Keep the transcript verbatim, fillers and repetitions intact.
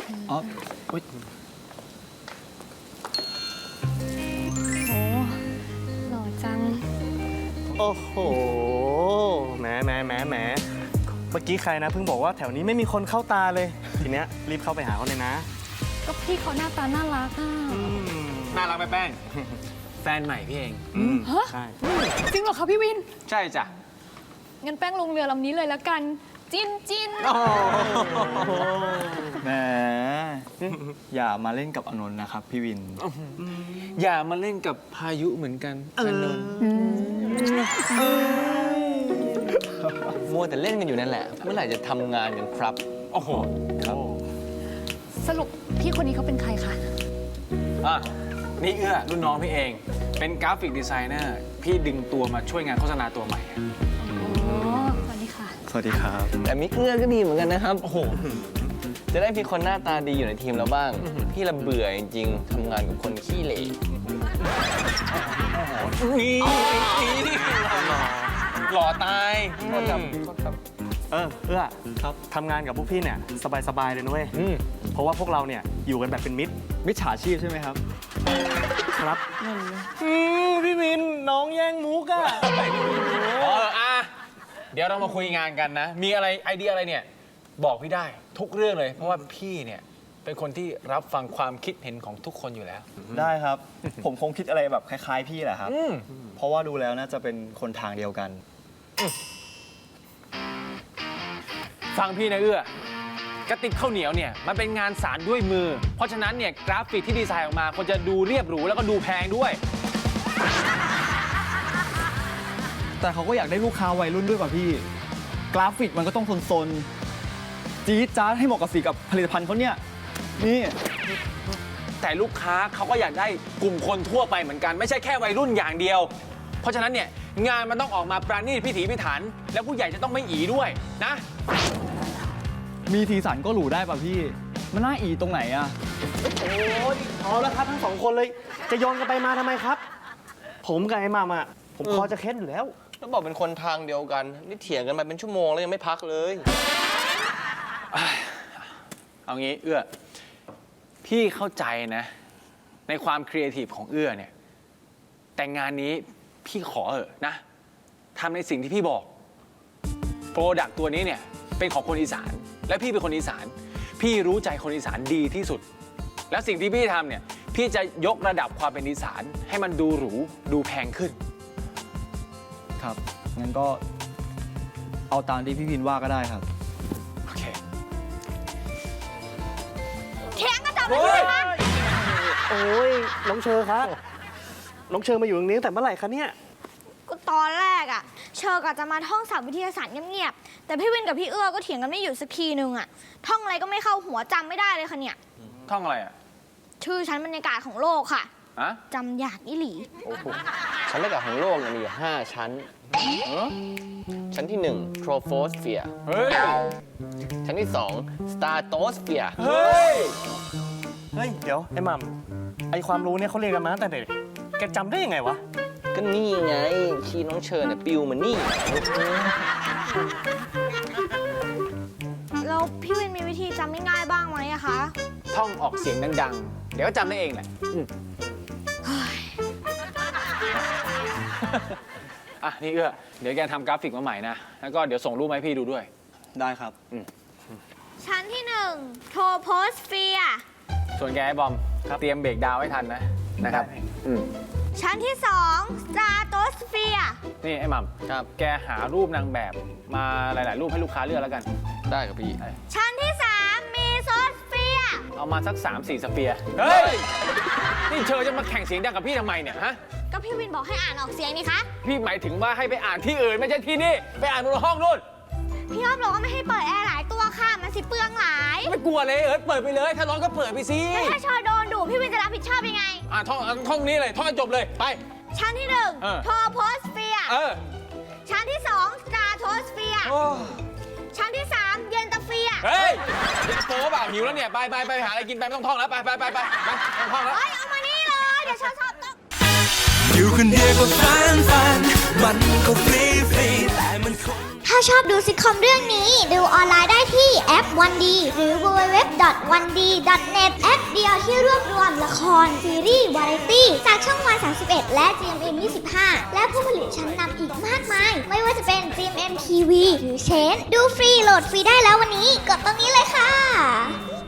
อ๋อโอ้ยโอ้หล่อจังโอ้โหแหมแหมแหมแหมเมื่อกี้ใครนะเพิ่งบอกว่าแถวนี้ไม่มีคนเข้าตาเลย ทีเนี้ยรีบเข้าไปหาเขาเลยนะก็พี่เขาหน้าตาน่ารักอ่ะน่ารักไหมแป้ง แฟนใหม่พี่เองฮะใช่จริงเหรอคะพี่วินใช่จ้ะงั้นแป้งลงเรือลำนี้เลยละกัน จินจินแหมอย่ามาเล่นกับอนนท์นะครับพี่วินอย่ามาเล่นกับพายุเหมือนกันอนนท์มัวแต่เล่นกันอยู่นั่นแหละ เมื่อไหร่จะทำงานกันครับโอ้โหครับสรุปพี่คนนี้เขาเป็นใครคะอ่ะนี่เอื้อรุ่นน้องพี่เอง เป็นกราฟิกดีไซเนอร์ พี่ดึงตัวมาช่วยงานโฆษณาตัวใหม่อะอ๋อ สวัสดีค่ะสวัสดีครับแต่มิกเอื้อก็ดีเหมือนกันนะครับ โอ้โห จะได้มีคนหน้าตาดีอยู่ในทีมเราบ้าง พี่ละเบื่อจริงๆทำงานกับคนขี้เหร่นี่นี่หล่อตายโทษครับโทษครับเออเอื้อครับทำงานกับพวกพี่เนี่ยสบายๆเลยนะเว้ยอืมเพราะว่าพวกเราเนี่ยอยู่กันแบบเป็นมิตรมิจฉาชีพใช่ไหมครับครับอืมพี่วินน้องแย่งมุกอะเอออ่ะเดี๋ยวเรามาคุยงานกันนะ มีอะไรไอเดียอะไรเนี่ย บอกพี่ได้ทุกเรื่องเลย เพราะว่าพี่เนี่ยเป็นคนที่รับฟังความคิดเห็นของทุกคนอยู่แล้วได้ครับ ผมคงคิดอะไรแบบคล้ายๆพี่แหละครับอืมเพราะว่าดูแล้วน่าจะเป็นคนทางเดียวกันฟังพี่นะเอื้อกระติบข้าวเหนียวเนี่ยมันเป็นงานสารด้วยมือ เพราะฉะนั้นเนี่ยกราฟิกที่ดีไซน์ออกมาควรจะดูเรียบหรูแล้วก็ดูแพงด้วยแต่เขาก็อยากได้ลูกค้าวัยรุ่นด้วยป่ะพี่ กราฟิกมันก็ต้องโซนๆจี๊ดจ๊าดให้เหมาะกับสีกับผลิตภัณฑ์เขาเนี่ย นี่แต่ลูกค้าเขาก็อยากได้กลุ่มคนทั่วไปเหมือนกันไม่ใช่แค่วัยรุ่นอย่างเดียว เพราะฉะนั้นเนี่ยงานมันต้องออกมาปราณีตพิถีพิถัน แล้วผู้ใหญ่จะต้องไม่อีด้วยนะมีสีสันก็หรูได้ป่ะพี่ มันน่าอีตรงไหนอะโอ้ยเอาแล้วครับทั้งสองคนเลย จะโยนกันไปมาทำไมครับ ผมกับไอ้หมัมอะผมพอจะเค้นอยู่แล้วแล้วบอกเป็นคนทางเดียวกัน นี่เถียงกันมาเป็นชั่วโมงแล้วยังไม่พักเลยเอางี้เอื้อพี่เข้าใจนะในความครีเอทีฟของเอื้อเนี่ยแต่งานนี้พี่ขอเถอะนะทำในสิ่งที่พี่บอกโปรดักต์ตัวนี้เนี่ยเป็นของคนอีสานและพี่เป็นคนอีสาน พี่รู้ใจคนอีสานดีที่สุด แล้วสิ่งที่พี่ทำเนี่ยพี่จะยกระดับความเป็นอีสานให้มันดูหรูดูแพงขึ้นครับ งั้นก็เอาตามที่พี่วินว่าก็ได้ครับโอเคเถียงกันต่อไปเลยคะโอ้ยน้องเชอร์ครับ น้องเชอร์มาอยู่ตรงนี้ตั้งแต่เมื่อไหร่คะเนี่ยก็ตอนแรกอะเชอร์กะจะมาท่องศัพท์วิทยาศาสตร์เงียบๆ แต่พี่วินกับพี่เอื้อก็เถียงกันไม่หยุดสักทีนึงอะท่องอะไรก็ไม่เข้าหัวจำไม่ได้เลยค่ะเนี่ยท่องอะไรอ่ะชื่อชั้นบรรยากาศของโลกค่ะอะจำอยากอีหลีโอ้โหชั้นแรกของโลกเนี่ยมีอยู่ห้าชั้น ชั้นที่หนึ่ง troposphere เฮ้ยชั้นที่สอง stratosphere เฮ้ยเฮ้ย เดี๋ยวไอ้หมัมไอความรู้เนี่ยเขาเรียนกันมาตั้งแต่เด็ก แกจำได้ยังไงวะก็นี่ไงชีน้องเชิญเนี่ยปิวมานี่แล้วพี่วินมีวิธีจำง่ายๆบ้างไหมอะคะท่องออกเสียงดังๆ เดี๋ยวก็จำได้เองแหละอืมอ่ะ นี่เอื้อ เดี๋ยวแกทำกราฟิกมาใหม่นะ แล้วก็เดี๋ยวส่งรูปมาให้พี่ดูด้วยได้ครับชั้นที่หนึ่งโทโพสเฟียส่วนแกไอ้บอม เตรียมเบรกดาวน์ให้ทันนะ นะครับได้อืมชั้นที่สองสตราโตสเฟียนี่ไอ้หม่ำครับแกหารูปนางแบบมาหลาย ๆ รูปให้ลูกค้าเลือกแล้วกันได้ครับพี่ชั้นที่สามมีโซสเฟียเอามาสัก สามสี่ สเปียร์ เฮ้ย นี่เชอจะมาแข่งเสียงดังกับพี่ทำไมเนี่ยฮะก็พี่วินบอกให้อ่านออกเสียงนี่คะพี่หมายถึงว่าให้ไปอ่านที่อื่นไม่ใช่ที่นี่ ไปอ่านบนห้องนู่นพี่อ้อมบอกว่าไม่ให้เปิดแอร์หลายตัวค่ะ มันสิเปลืองหลายไม่กลัวเลยเอิร์ธเปิดไปเลย ถ้าร้อนก็เปิดไปสิแล้วถ้าชอโดนดุพี่วินจะรับผิดชอบยังไงอ่ะท่องท่องนี้เลย ท่องให้จบเลย ไปชั้นที่หนึ่งเออโทโพสเฟียเออชั้นที่สองสตราโทสเฟียโอ้ชั้นที่สามเยนตาเฟียเฮ้ยเดี๋ยวโตเปล่าหิวแล้วเนี่ย ไปไปไปหาอะไรกินไปไม่ต้องท่องแล้ว ไปไปไปไปไปไม่ต้องท่องแล้วเอ้ย เอามานี่เลย เดี๋ยวชอบชอบต้องอยู่คนเดียวก็ฟันฟัน มันก็ฟรีฟรีแต่มันคงถ้าชอบดูซิทคอมเรื่องนี้ ดูออนไลน์ได้ที่แอป วัน ดี หรือ ดับเบิลยู ดับเบิลยู ดับเบิลยู ดอท วัน ดี ดอท เน็ต แอปเดียวที่รวบรวมละคร ซีรีส์ วาไรตี้ จากช่องวัน สามสิบเอ็ด และ จี เอ็ม เอ็ม ยี่สิบห้า และผู้ผลิตชั้นนำอีกมากมาย ไม่ว่าจะเป็น จี เอ็ม เอ็ม ที วี หรือเชน ดูฟรีโหลดฟรีได้แล้ววันนี้ กดตรงนี้เลยค่ะ